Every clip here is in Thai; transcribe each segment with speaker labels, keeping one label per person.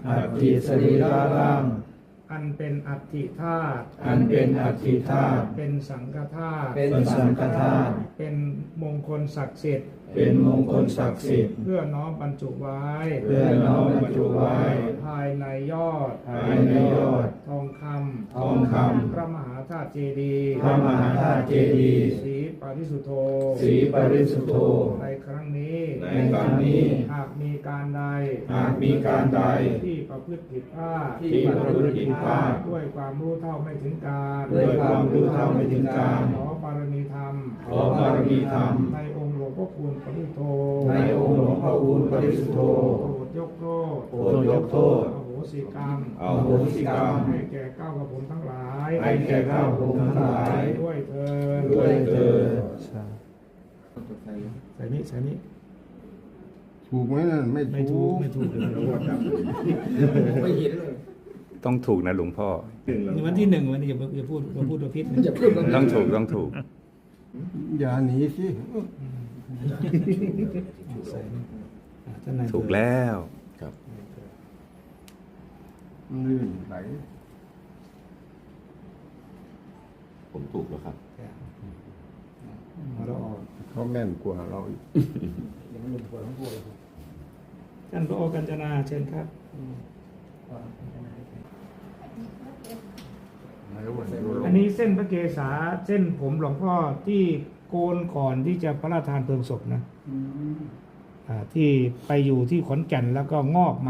Speaker 1: อัตถิสรีระร่าง
Speaker 2: อันเป็นอัตถิธาตุ
Speaker 1: อันเป็นอัตถิธาตุ
Speaker 2: เป็นสังฆธาตุ
Speaker 1: เป็นสังฆธาตุ
Speaker 2: เป็นมงคลศักดิ์สิทธิ์
Speaker 1: เป็นมงคลศักดิ์สิทธิ์
Speaker 2: เพื่อน้อมบรรจุไว้
Speaker 1: เพื่อน้อมบรรจุไว้
Speaker 2: ภายในยอด
Speaker 1: ภายในยอด
Speaker 2: ทองค
Speaker 1: ทองค
Speaker 2: ำพระมหาธาตุเจดีย์
Speaker 1: พระมหาธาตุเจดีย์
Speaker 2: สีปริสุทโธ
Speaker 1: สีปริสุทโธ
Speaker 2: ในครั้งนี้
Speaker 1: ในครั้งนี้
Speaker 2: หากมีการใด
Speaker 1: หากมีการใด
Speaker 2: ที่ประพฤติผิดพลาด
Speaker 1: ที่ประพฤติผิดพลาด
Speaker 2: ด้วยความรู้เท่าไม่ถึงการ
Speaker 1: ด้วยความรู้เท่าไม่ถึงการ
Speaker 2: ขอบารมีธรรม
Speaker 1: ขอบารมีธรรม
Speaker 2: ในองค์หลวงพ่อคูณปริสุทโธ
Speaker 1: ในองค์หลวงพ่อคูณปริสุทโธ
Speaker 2: โปรดยกโทษ
Speaker 1: โปรดยกโทษ
Speaker 2: อโหสิกรรม
Speaker 1: อโหสิกรรม
Speaker 2: ให้แก่เก้ากระผมทั้งหลาย
Speaker 1: ให้แก่ข้าพงทั้งหลาย
Speaker 2: ด้วยเถิด
Speaker 1: ด้วยเถิด
Speaker 2: ใส่นี้ใส่นี้
Speaker 3: ถูกไหมนั่นไม่
Speaker 2: ไม่ถู
Speaker 3: ถู
Speaker 2: ก
Speaker 3: ก
Speaker 2: ไม่ถูก
Speaker 4: ไม่เห็นเลย
Speaker 5: ต้องถูกนะหลวงพ่อ
Speaker 2: ในวันที่หนึ่งวันนี้อย่าพูดตัวพิษนะ
Speaker 4: อย่าเพิ่มแล้ว
Speaker 5: ต้องถูกต้องถูก
Speaker 3: อย่าหนีสิ
Speaker 2: ใส่นี่ท่านนาย
Speaker 5: ถูกแล้ว
Speaker 3: ลื่นไหล
Speaker 4: ผมถูกแล้วครับ
Speaker 2: เรา
Speaker 3: เขาแม่นกว่าเราอีก
Speaker 2: ท่านพระโอกัญจนาเชิญครับ
Speaker 3: ไหนวันดูล
Speaker 2: อันนี้เส้นพระเกศาเส้นผมหลวงพ่อที่โกนก่อนที่จะพระราชทานเพลิงศพนะที่ไปอยู่ที่ขอนแก่นแล้วก็งอกมา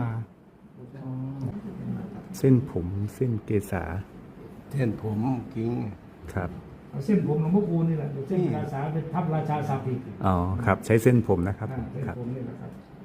Speaker 5: เส้นผมเส้นเกษา
Speaker 3: เส้นผมกิ้ง
Speaker 5: ครับ
Speaker 2: เอาเส้นผมหลวงพ่อคูณนี่แหละเดี๋ยวเส้นราชาเป็นทับราชาศัพท์อีก
Speaker 5: อ๋อครับ ใช้เส้นผมนะครับ
Speaker 2: เส้น
Speaker 5: ครับ
Speaker 2: ผมนี่แหละครับ